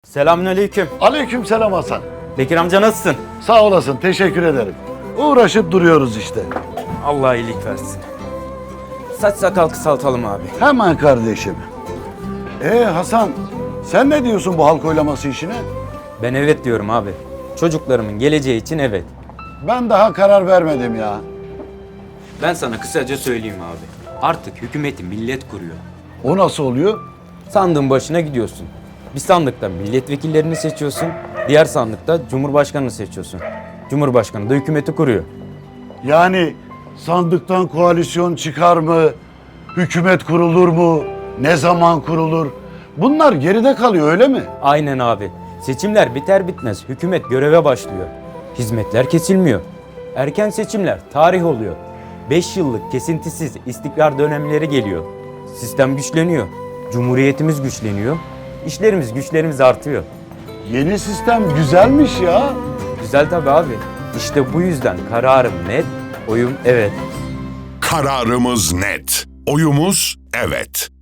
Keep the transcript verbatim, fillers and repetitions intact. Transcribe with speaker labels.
Speaker 1: Selamünaleyküm.
Speaker 2: Aleykümselam Hasan.
Speaker 1: Bekir amca nasılsın?
Speaker 2: Sağ olasın, teşekkür ederim. Uğraşıp duruyoruz işte.
Speaker 1: Allah iyilik versin. Saç sakal kısaltalım abi.
Speaker 2: Hemen kardeşim. Ee Hasan, sen ne diyorsun bu halk oylaması işine?
Speaker 1: Ben evet diyorum abi. Çocuklarımın geleceği için evet.
Speaker 2: Ben daha karar vermedim ya.
Speaker 1: Ben sana kısaca söyleyeyim abi. Artık hükümeti millet kuruyor.
Speaker 2: O nasıl oluyor?
Speaker 1: Sandığın başına gidiyorsun. Bir sandıkta milletvekillerini seçiyorsun. Diğer sandıkta cumhurbaşkanını seçiyorsun. Cumhurbaşkanı da hükümeti kuruyor.
Speaker 2: Yani sandıktan koalisyon çıkar mı? Hükümet kurulur mu? Ne zaman kurulur? Bunlar geride kalıyor öyle mi?
Speaker 1: Aynen abi. Seçimler biter bitmez hükümet göreve başlıyor. Hizmetler kesilmiyor. Erken seçimler tarih oluyor. Beş yıllık kesintisiz istikrar dönemleri geliyor. Sistem güçleniyor. Cumhuriyetimiz güçleniyor. İşlerimiz güçlerimiz artıyor.
Speaker 2: Yeni sistem güzelmiş ya.
Speaker 1: Güzel tabii abi. İşte bu yüzden kararım net, oyum evet.
Speaker 3: Kararımız net. Oyumuz evet.